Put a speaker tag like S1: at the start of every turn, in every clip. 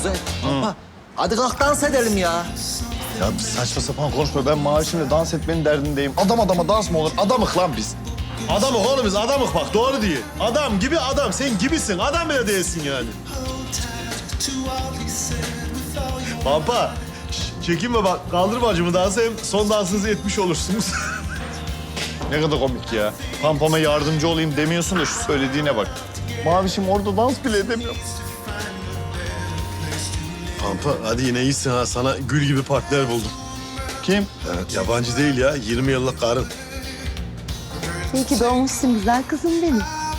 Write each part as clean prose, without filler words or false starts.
S1: Kuzey, Pampa. Hadi kalk dans edelim ya.
S2: Ya saçma sapan konuşma. Ben maaşımla dans etmenin derdindeyim. Adam adama dans mı olur? Adamık lan biz.
S3: Adamık oğlum biz, adamık bak doğru diye. Adam gibi adam, sen gibisin. Adam bile değilsin yani. Pampa, çekinme bak. Kaldır bacımı dansa, hem son dansınızı etmiş olursunuz.
S2: Ne kadar komik ya. Pampama yardımcı olayım demiyorsun da şu söylediğine bak. Mavişim orada dans bile edemiyor.
S3: Pampa, hadi yine iyisin ha. Sana gül gibi partner buldum.
S2: Kim?
S3: Evet, yabancı değil ya. 20 yıllık karın.
S4: İyi ki doğmuşsun güzel kızım benim.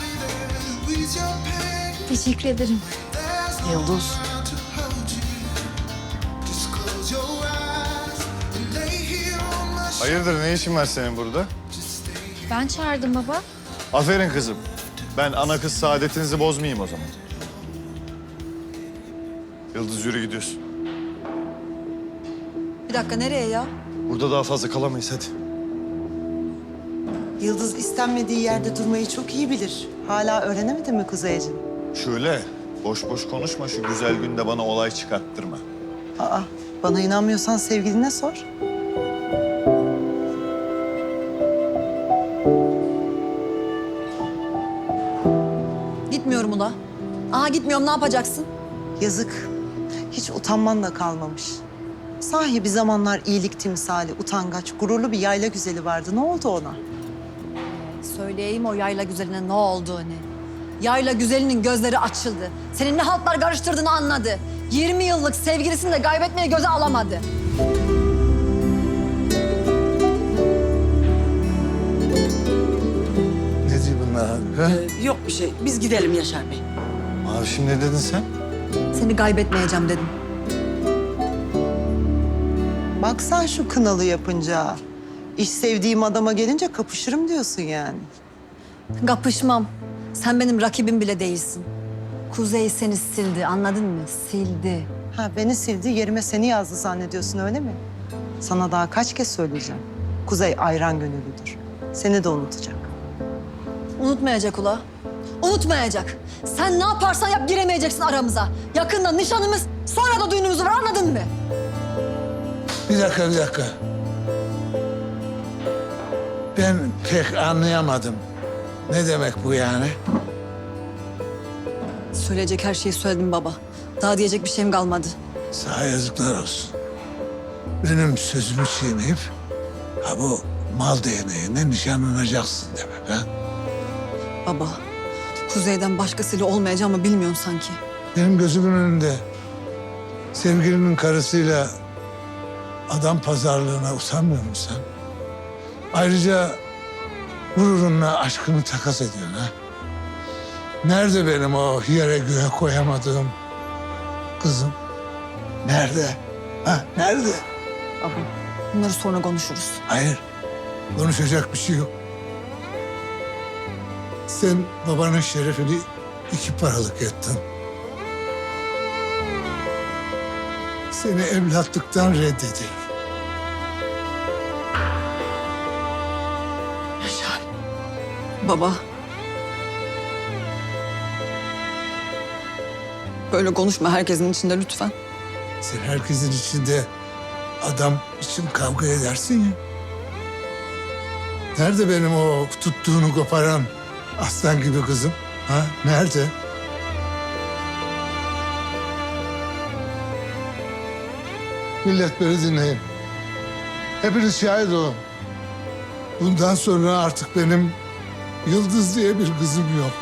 S5: Teşekkür ederim.
S4: Yıldız.
S2: Hayırdır ne işin var senin burada?
S5: Ben çağırdım baba.
S2: Aferin kızım. Ben ana kız saadetinizi bozmayayım o zaman. Yıldız yürü gidiyorsun.
S6: Bir dakika nereye ya?
S2: Burada daha fazla kalamayız hadi.
S7: Yıldız istenmediği yerde durmayı çok iyi bilir. Hala öğrenemedin mi Kuzeyciğim?
S2: Şöyle boş boş konuşma şu güzel günde bana olay çıkarttırma.
S7: Aa, bana inanmıyorsan sevgiline sor.
S6: Gitmiyorum ula. Aha gitmiyorum, ne yapacaksın?
S7: Yazık. Hiç utanman da kalmamış. Sahi bir zamanlar iyilik timsali, utangaç, gururlu bir yayla güzeli vardı. Ne oldu ona?
S6: Söyleyeyim o yayla güzeline ne olduğunu. Yayla güzelinin gözleri açıldı. Senin ne haltlar karıştırdığını anladı. 20 yıllık sevgilisini de kaybetmeye göze alamadı.
S2: Ne diyor bunlar abi?
S8: Yok bir şey. Biz gidelim Yaşar Bey.
S2: Mavişim ne dedin sen?
S6: Seni kaybetmeyeceğim dedim.
S7: Bak sen şu kınalı yapınca. İş sevdiğim adama gelince kapışırım diyorsun yani.
S6: Kapışmam. Sen benim rakibim bile değilsin. Kuzey seni sildi, anladın mı? Sildi.
S7: Ha beni sildi, yerime seni yazdı zannediyorsun öyle mi? Sana daha kaç kez söyleyeceğim. Kuzey ayran gönüllüdür. Seni de unutacak.
S6: Unutmayacak ula. Unutmayacak. Sen ne yaparsan yap giremeyeceksin aramıza. Yakında nişanımız, sonra da düğünümüz var, anladın mı?
S9: Bir dakika. Ben pek anlayamadım. Ne demek bu yani?
S6: Söyleyecek her şeyi söyledim baba. Daha diyecek bir şeyim kalmadı.
S9: Sana yazıklar olsun. Benim sözümü çiğneyip ha bu mal değneğine nişanlanacaksın demek ha?
S6: Baba, Kuzey'den başkasıyla olmayacağımı bilmiyorsun sanki.
S9: Benim gözümün önünde sevgilinin karısıyla adam pazarlığına utanmıyor musun sen? Ayrıca gururunla aşkını takas ediyorsun ha? Nerede benim o yere göğe koyamadığım kızım? Nerede? Ha, nerede?
S6: Baba, bunları sonra konuşuruz.
S9: Hayır, konuşacak bir şey yok. Sen babanın şerefini 2 paralık ettin. Seni evlatlıktan reddedilir.
S8: Yaşar.
S6: Baba. Böyle konuşma herkesin içinde lütfen.
S9: Sen herkesin içinde adam için kavga edersin ya. Nerede benim o tuttuğunu koparan aslan gibi kızım? Ha? Nerede? Millet beni dinleyin. Hepiniz şahit olun. Bundan sonra artık benim Yıldız diye bir kızım yok.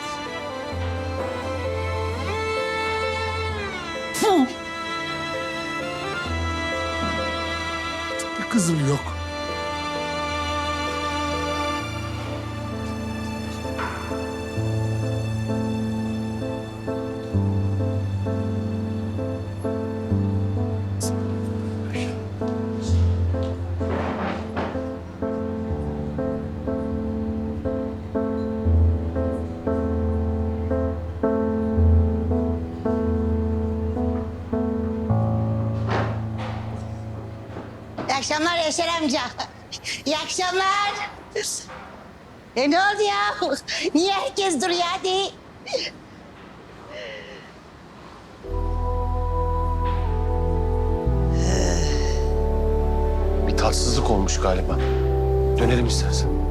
S9: Bir kızım yok.
S10: İyi akşamlar Yaşar amca. İyi akşamlar. Ne oldu ya? Niye herkes duruyor hadi?
S11: Haksızlık olmuş galiba. Dönelim istersen.